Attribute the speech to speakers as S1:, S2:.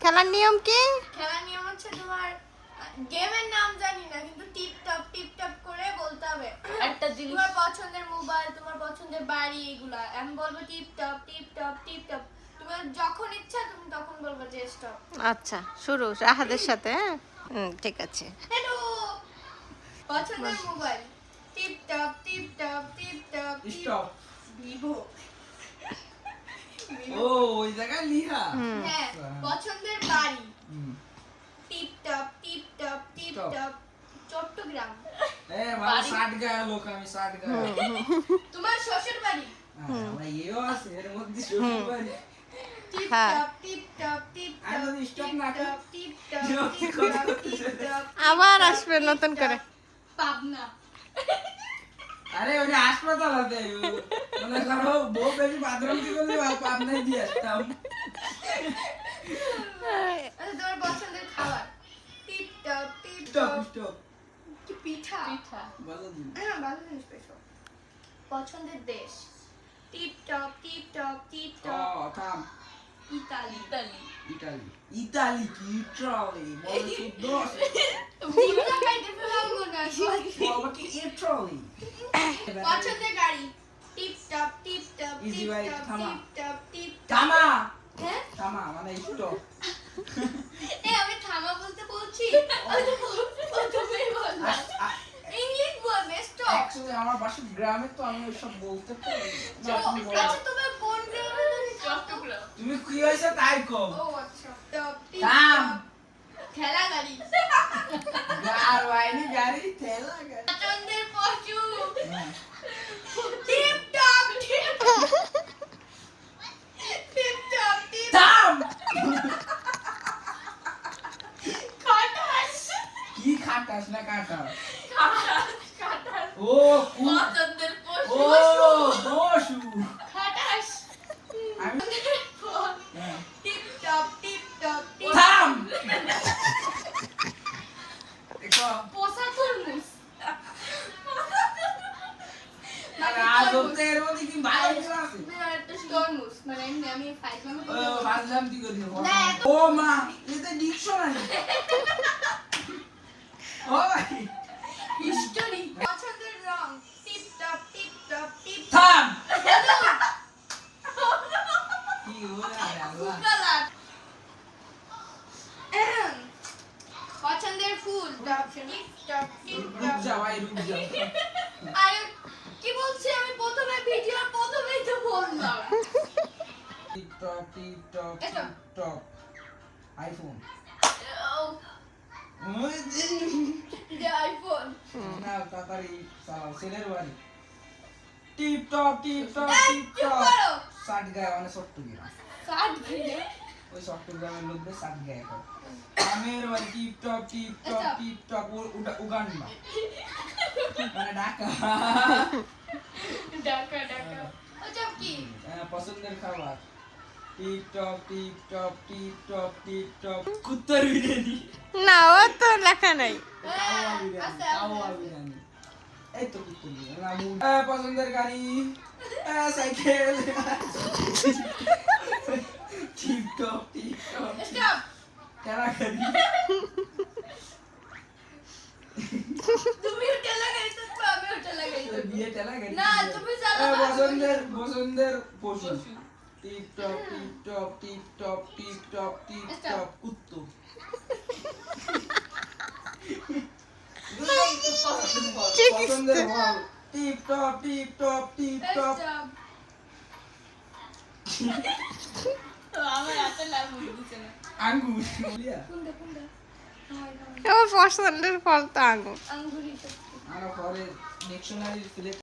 S1: খেলার নিয়ম কি?
S2: খেলার নিয়ম হচ্ছে তোমার গেমের নাম জানি না, কিন্তু টিপ টপ করে বলতে হবে একটা জিনিস, তোমার পছন্দের মোবাইল, তোমার পছন্দের বাড়ি, এগুলা আমি বলবো টিপ টপ। তোমার যখন ইচ্ছা তুমি তখন বলবো যে স্টপ।
S1: আচ্ছা, শুরু রাহাদের সাথে। হ্যাঁ, ঠিক আছে।
S2: হ্যালো, পছন্দের mobile tip top.
S3: Stop.
S2: Vivo.
S3: ও ওই জায়গায় লিহা।
S2: হ্যাঁ, পছন্দের বাড়ি টিপ টপ।
S3: Stop.
S2: চট্টগ্রাম।
S3: মানে 60 গায়ে লোক, আমি 60 গায়ে।
S2: তোমার শ্বশুর বাড়ি
S3: আমরা এও আছে এর মধ্যে শ্বশুর বাড়ি।
S2: টিপ
S1: হ্যাঁ।
S2: টপ।
S3: আর যদি stop না করে?
S2: টিপ
S3: কি করে?
S2: টপ।
S1: আবার আসবে নতুন করে।
S2: পাবনা।
S3: আরে ওটা হাসপাতাল আছে, মনে করো বউ বেশি বাথরুম কি করলে আপনাই দিয়ে আসতাম।
S2: আচ্ছা, তোমার পছন্দের খাবার টিপ টপ।
S3: স্টপ।
S2: কি পিঠা?
S3: ভালো দিন।
S2: হ্যাঁ, ভালো জিনিস পেয়েছো। পছন্দের দেশ টিপ টপ।
S3: থাম।
S2: ইতালি।
S3: ইতালি কি ইটালি? বলে শুদ্ধ আছে।
S2: জিভটা খাইতে পারবো না।
S3: বাবা কি ইটালি?
S2: পছন্দের গাড়ি টিপ টপ।
S3: Easy ভাই, থামা।
S2: Tip top.
S3: থামা।
S2: হ্যাঁ,
S3: থামা মানে স্টপ।
S2: আমি থামা বলতে বলছি। তুমি বলবা ইংলিশ বলবে স্টপ।
S3: অ্যাকচুয়ালি আমার বাসা গ্রামে, তো আমি ওইসব বলতে পারি না। আপনি বলো।
S2: আচ্ছা, তোমার কোন গ্রামে জানি? চট্টগ্রাম।
S3: তুমি কি হয়েছে তাই কম।
S2: ও আচ্ছা। টপ টিপ
S3: থাম।
S2: ঠেলা গাড়ি।
S3: গাড়ি গাড়ি ঠেলা গাড়ি।
S2: পছন্দের পশু
S3: হ্যাঁ।
S2: Tip top.
S3: থাম।
S2: খাটাস।
S3: কি খাটাস না কাটাস?
S2: খাটাস।
S3: ও
S2: পছন্দের পশু
S3: ও বসু।
S2: খাটাস।
S3: আমি হ্যাঁ।
S2: Tip top.
S3: থাম। দেখো
S2: পোষা তরমুজ।
S3: আর আজ অব্দি এর মধ্যে কি বাইরে আছে?
S2: তরমুজ মানে আমি ফাইজলামে
S3: ও বাজলাম কি করি?
S2: না,
S3: ও মা, এটা ডিকশনারি। ও ভাই
S2: হিস্টোরি। পছন্দের রং টিপ টপ।
S3: থাম। কি হলো আল্লাহ?
S2: কালার। পছন্দের ফুল টিপ টপ।
S3: রুক যা ভাই, রুক যা।
S2: আরে কি বলছি আমি প্রথমে ভিডিওর প্রথমেই তো বললাম।
S3: Tip top iPhone.
S2: যে আইফোন।
S3: না তাড়াতাড়ি চালাও, ছেলের বাড়ি। টিপ-টপ
S2: চুপ করো।
S3: 60 গায়ে মানে চট্টগ্রাম।
S2: কাট ভিডিও।
S3: ওই চট্টগ্রামের লোকদের 60 গায়ে করে। আমের বাড়ি টিপ-টপ উগান্ডা মানে ঢাকা।
S2: ডাকা। ওসব কি?
S3: পছন্দের খাবার টিপ-টপ কুত্তার বিরিয়ানি।
S1: না, ও তো লেখা নাই।
S3: কাওয়া বিরিয়ানি। এই তো কুত্তার বিরিয়ানি। পছন্দের গাড়ি সাইকেল। Tip-top
S2: stop.
S3: টেরা গাড়ি।
S2: তুমি ওটা লাগাইছো তো আমি ওটা লাগাইছো।
S3: বিয়ে টেরা গাড়ি।
S2: না, তুমি চালাও।
S3: পছন্দের পশু টিপ-টপ কুত্তো। পছন্দের ফল টিপ-টপ
S2: স্টপ। আমার হাতে লাগু দিছে না।
S3: আঙ্গুর।
S2: কোনটা?
S1: ও পছন্দের ফল তো আঙুর।
S2: আঙ্গুরি তো।
S3: আমরা পরে ডিকশনারি